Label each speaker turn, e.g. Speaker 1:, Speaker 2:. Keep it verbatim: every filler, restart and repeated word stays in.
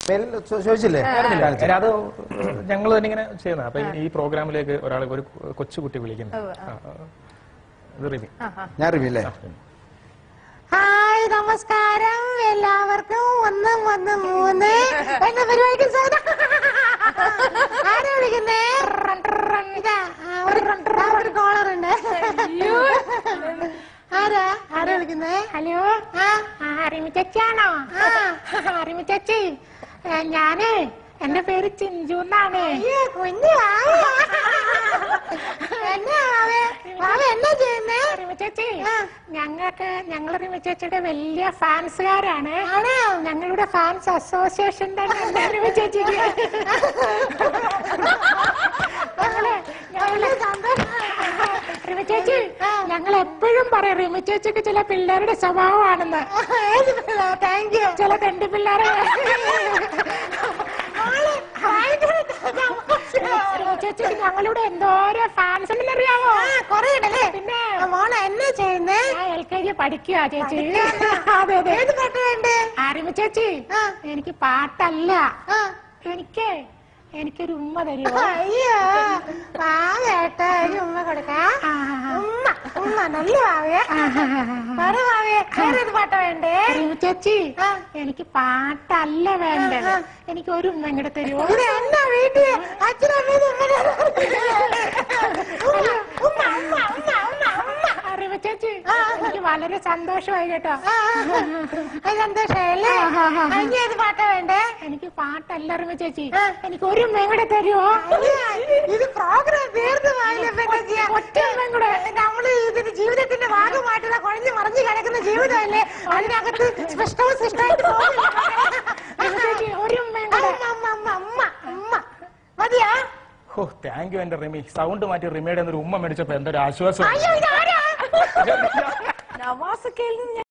Speaker 1: ചോദിച്ചില്ലേ?
Speaker 2: അത് ഞങ്ങൾ തന്നെ ഇങ്ങനെ ചെയ്യുന്നത്. അപ്പൊ ഈ പ്രോഗ്രാമിലേക്ക് ഒരാൾ ഒരു കൊച്ചുകുട്ടി വിളിക്കുന്നത്. റിമി.
Speaker 1: ഞാൻ റിമി അല്ലേ?
Speaker 3: ഹായ്, നമസ്കാരം എല്ലാവർക്കും. ഒന്ന് ഒന്ന് മൂന്ന് എന്ന പരിപാടിക്ക് സ്വാഗതം. ആരാ വിളിക്കുന്നേ? ഒരു കോളറുണ്ട്. ആരാ ആരാ വിളിക്കുന്നേ? ഹലോ, റിമി ചേച്ചിയാണോ? റിമി ചേച്ചി, ഞാനേ എന്റെ പേര് ചിഞ്ചു എന്നാണ്. കുഞ്ഞു എന്നാ ചെയ്യുന്നേ? റിമി ചേച്ചി, ഞങ്ങൾക്ക് ഞങ്ങൾ റിമി ചേച്ചിയുടെ വലിയ ഫാൻസുകാരാണ്. ഞങ്ങളുടെ ഫാൻസ് അസോസിയേഷന്റെ റിമി ചേച്ചിക്ക് റിമി ചേച്ചി, ഞങ്ങൾ എപ്പോഴും പറയും റിമി ചേച്ചിക്ക് ചില പിള്ളേരുടെ സ്വഭാവമാണെന്ന്. Thank you. ചില തെണ്ടി പിള്ളേരെ ചേച്ചിക്ക് ഞങ്ങളുടെ എന്തോരോ ഫാൻസ് ഉണ്ടെന്ന് അറിയാമോ? കൊറേ ഉണ്ടല്ലേ. പിന്നെ മോളെ എന്നാ ചെയ്യുന്നേ? എൽ കെ ജി പഠിക്കുക ചേച്ചി. അതെ അതെ. ഏത് പാട്ട് വേണ്ടേ? റിമി ചേച്ചി, എനിക്ക് പാട്ടല്ല, എനിക്ക് എനിക്കൊരു ഉമ്മ തരുമോ? അയ്യോ, പാവേട്ട ഒരു ഉമ്മ കൊടുക്കാം. ഉമ്മ ഉമ്മ നല്ല പാവേ. വേറെ പാവേ വേറേത് പാട്ടാ വേണ്ടേ? റിമി ചേച്ചി, എനിക്ക് പാട്ടല്ല വേണ്ടത്, എനിക്ക് ഒരു ഉമ്മ ഇങ്ങോട്ട് തരുമോ? എന്നാ വീട്ടിൽ അച്ഛനമ്മ റിമി ചേച്ചി, എനിക്ക് വളരെ സന്തോഷമായി കേട്ടോ. സന്തോഷല്ലേ? ഏത് പാട്ടാ വേണ്ടേ? എനിക്ക് പാട്ടല്ല റിമി ചേച്ചി, എനിക്ക് ഒരു ഉമ്മയും കൂടെ തരുമോ? ഇത് പ്രോഗ്രാം തീർന്നു ഒറ്റ ഉമ്മയും കൂടെ. നമ്മള് ഇതിന്റെ ജീവിതത്തിന്റെ ഭാഗമായിട്ടുള്ള കുഴഞ്ഞു മറിഞ്ഞു കിടക്കുന്ന ജീവിതമല്ലേ, അതിനകത്ത് സ്പഷ്ടവും സൃഷ്ടമായിട്ട് ചേച്ചി ഒരു ഉമ്മയും കൂടെ. അമ്മ അമ്മ മതിയാ?
Speaker 2: ഓ, താങ്ക് യു എന്റെ റിമി. സൗണ്ട് മാറ്റി റിമിയുടെ ഒരു ഉമ്മ മേടിച്ചപ്പോ എന്തൊരു ആശ്വാസം.
Speaker 3: നവാസൊക്കെ